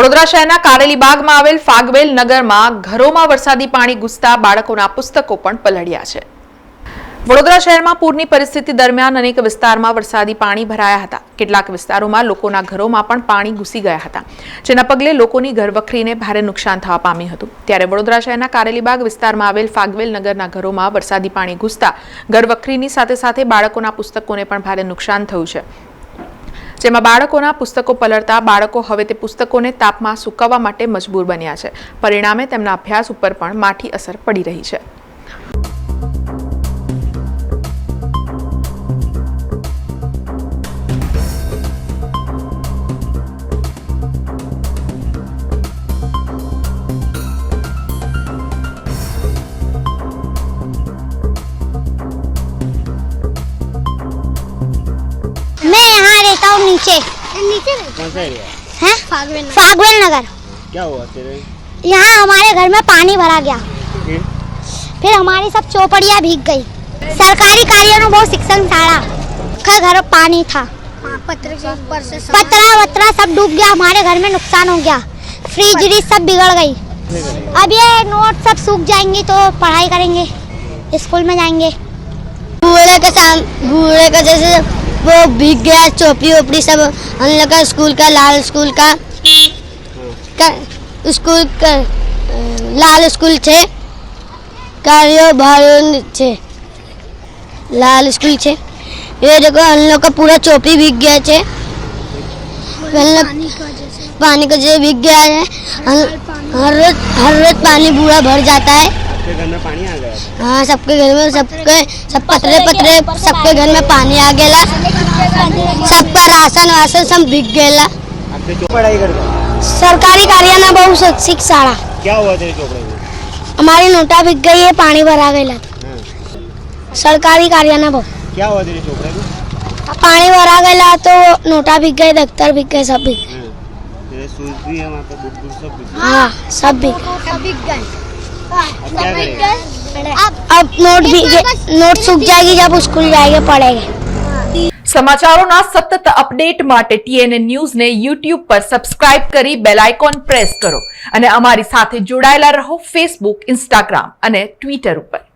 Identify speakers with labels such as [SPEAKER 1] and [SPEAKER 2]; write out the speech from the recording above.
[SPEAKER 1] વડોદરા શહેરના કારેલીબાગમાં આવેલ ફાગવેલ નગરમાં ઘરોમાં વરસાદી પાણી ઘૂસતા બાળકોના પુસ્તકો પણ પલળ્યા છે। વડોદરા શહેરમાં પૂરની પરિસ્થિતિ દરમિયાન અનેક વિસ્તારમાં વરસાદી પાણી ભરાયા હતા। કેટલાક વિસ્તારોમાં લોકોના ઘરોમાં પણ પાણી ઘૂસી ગયા હતા, જેના પગલે લોકોની ઘરવખરીને ભારે નુકસાન થવા પામ્યું હતું। ત્યારે વડોદરા શહેરના કારેલીબાગ વિસ્તારમાં આવેલ ફાગવેલ નગરના ઘરોમાં વરસાદી પાણી ઘૂસતા ઘરવખરીની સાથે સાથે બાળકોના પુસ્તકોને પણ ભારે નુકસાન થયું છે, જેમાં બાળકોના પુસ્તકો પલળતા બાળકો હવે તે પુસ્તકોને તાપમાં સુકવવા માટે મજબૂર બન્યા છે। પરિણામે તેમના અભ્યાસ ઉપર પણ માઠી અસર પડી રહી છે।
[SPEAKER 2] मैं यहाँ रहता हूँ नीचे
[SPEAKER 3] कौन सा एरिया
[SPEAKER 2] है फागवेल नगर।
[SPEAKER 3] क्या हुआ तेरे?
[SPEAKER 2] यहाँ हमारे घर में पानी भरा गया, फिर हमारी सब चौपड़ियाँ भीग गई। सरकारी कार्यों में बहुत शिक्षण साड़ा घर पानी था, पतरा वतरा सब डूब गया, हमारे घर में नुकसान हो गया, फ्रिज सब बिगड़ गई। अब ये नोट सब सूख जाएंगे तो पढ़ाई करेंगे, स्कूल में जाएंगे।
[SPEAKER 4] बूढ़े का जैसे वो भीग गया, चौपड़ी ओपड़ी सब हम लोग का स्कूल का लाल स्कूल का लाल स्कूल छे कार्यो भारो छे लाल स्कूल छे। ये देखो हम लोग का पूरा चौपड़ी भीग गया छे, पानी का जैसे भीग गया है। हर रोज पानी पूरा भर जाता है।
[SPEAKER 3] आपके घर में पानी आ गया?
[SPEAKER 4] हाँ, सबके घर में सब पतरे सबके घर में पानी आ गया, सबका राशन वासन सब भीग गया।
[SPEAKER 3] आपने क्यों पढ़ाई करते?
[SPEAKER 2] सरकारी कार्य में बहुत शैक्षिक शाला।
[SPEAKER 3] क्या हुआ तेरे चोपड़े में?
[SPEAKER 2] हमारी नोटा बिक गई है, पानी भरा गया। सरकारी कार्य में बहुत
[SPEAKER 3] क्या हुआ तेरे चोपड़े में?
[SPEAKER 2] पानी भरा गया तो नोटा बिक गए, दफ्तर बिक गए, सब बिक गए।
[SPEAKER 3] तेरे शूज भी है वहाँ पे, बुक सब बिक गए।
[SPEAKER 2] हाँ, सब बिक गए।
[SPEAKER 3] अब क्या करेगा?
[SPEAKER 2] अब नोट सूख जाएगी, जब स्कूल जाएंगे पढ़ेंगे।
[SPEAKER 1] સમાચારોના સતત અપડેટ માટે TNN ન્યૂઝને YouTube પર સબસ્ક્રાઇબ કરી બેલ આઇકોન પ્રેસ કરો અને અમારી સાથે જોડાયેલા રહો Facebook, Instagram અને Twitter ઉપર।